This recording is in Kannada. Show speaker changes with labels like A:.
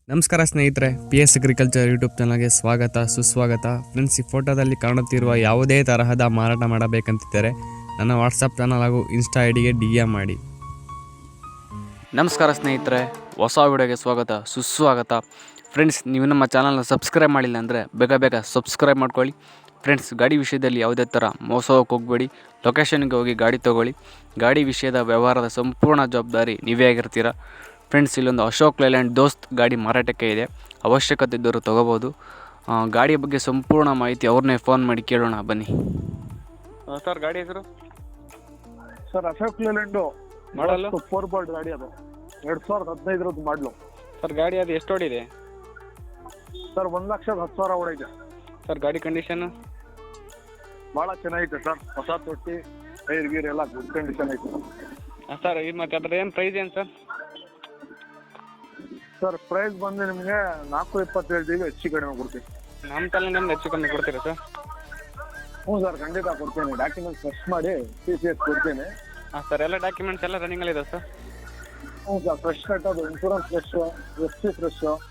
A: ನಮಸ್ಕಾರ ಸ್ನೇಹಿತರೆ, PS ಅಗ್ರಿಕಲ್ಚರ್ ಯೂಟ್ಯೂಬ್ ಚಾನಲ್ಗೆ ಸ್ವಾಗತ ಸುಸ್ವಾಗತ. ಫ್ರೆಂಡ್ಸ್, ಈ ಫೋಟೋದಲ್ಲಿ ಕಾಣುತ್ತಿರುವ ಯಾವುದೇ ತರಹದ ಮಾರಾಟ ಮಾಡಬೇಕಂತಿದ್ದರೆ ನನ್ನ ವಾಟ್ಸಪ್ ಚಾನಲ್ ಹಾಗೂ ಇನ್ಸ್ಟಾ ಐಡಿಗೆ DM ಮಾಡಿ.
B: ನಮಸ್ಕಾರ ಸ್ನೇಹಿತರೆ, ಹೊಸ ವಿಡಿಯೋಗೆ ಸ್ವಾಗತ ಸುಸ್ವಾಗತ. ಫ್ರೆಂಡ್ಸ್, ನೀವು ನಮ್ಮ ಚಾನಲ್ನ ಸಬ್ಸ್ಕ್ರೈಬ್ ಮಾಡಿಲ್ಲ ಅಂದರೆ ಬೇಗ ಸಬ್ಸ್ಕ್ರೈಬ್ ಮಾಡ್ಕೊಳ್ಳಿ. ಫ್ರೆಂಡ್ಸ್, ಗಾಡಿ ವಿಷಯದಲ್ಲಿ ಯಾವುದೇ ಥರ ಮೋಸ ಹೋಗಬೇಡಿ. ಲೊಕೇಶನ್ಗೆ ಹೋಗಿ ಗಾಡಿ ತೊಗೊಳ್ಳಿ. ಗಾಡಿ ವಿಷಯದ ವ್ಯವಹಾರದ ಸಂಪೂರ್ಣ ಜವಾಬ್ದಾರಿ ನೀವೇ ಆಗಿರ್ತೀರ. ಫ್ರೆಂಡ್ಸ್, ಇಲ್ಲೊಂದು ಅಶೋಕ್ ಲೇಲ್ಯಾಂಡ್ ದೋಸ್ತ್ ಗಾಡಿ ಮಾರಾಟಕ್ಕೆ ಇದೆ. ಅವಶ್ಯಕತೆ ಇದ್ದರೂ ತೊಗೋಬೋದು. ಗಾಡಿಯ ಬಗ್ಗೆ ಸಂಪೂರ್ಣ ಮಾಹಿತಿ ಅವ್ರನ್ನೇ ಫೋನ್ ಮಾಡಿ ಕೇಳೋಣ ಬನ್ನಿ. ಸರ್, ಗಾಡಿ ಹೆಸರು?
C: ಸರ್, ಅಶೋಕ್ ಲೇಲ್ಯಾಂಡು
B: ಮಾಡಲು
C: 4 ಬೋಲ್ಟ್ ಗಾಡಿ. ಅದು 2015 ಮಾಡಲು.
B: ಸರ್, ಗಾಡಿ ಅದು ಎಷ್ಟು ಓಡಿದೆ?
C: ಸರ್, 1,10,000 ಓಡೈತೆ.
B: ಸರ್, ಗಾಡಿ ಕಂಡೀಷನ್
C: ಭಾಳ ಚೆನ್ನಾಗೈತೆ ಸರ್. ಹೊಸ ತೊಟ್ಟಿ, ಟೈರ್ ಗೀರ್ ಎಲ್ಲ ಗುಡ್ ಕಂಡೀಷನ್ ಐತೆ.
B: ಸರ್, ಇದು ಮತ್ತೆ ಅದ್ರ ಏನು ಪ್ರೈಸ್ ಏನು ಸರ್?
C: ಸರ್, ಪ್ರೈಸ್ ಬಂದು ನಿಮಗೆ 4.20 ಹೇಳ್ತೀವಿ, ಹೆಚ್ಚು ಕಡಿಮೆ ಕೊಡ್ತೀವಿ.
B: ನಮ್ಮ ತಲೆಯಿಂದ ಹೆಚ್ಚು ಕಮ್ಮಿ ಕೊಡ್ತೀರಾ ಸರ್?
C: ಹ್ಞೂ ಸರ್, ಖಂಡಿತ ಕೊಡ್ತೀನಿ. ಡಾಕ್ಯುಮೆಂಟ್ಸ್ ಫ್ರೆಶ್ ಮಾಡಿ TCS ಕೊಡ್ತೀನಿ.
B: ಹಾಂ ಸರ್, ಎಲ್ಲ ಡಾಕ್ಯುಮೆಂಟ್ಸ್ ಎಲ್ಲ ರನ್ನಿಂಗಲ್ಲಿದೆ ಸರ್?
C: ಹ್ಞೂ ಸರ್, ಫ್ರೆಶ್ ಕಟ್ಟೋದು, ಇನ್ಶೂರೆನ್ಸ್ ಫ್ರೆಶ್, FC ಫ್ರೆಶ್,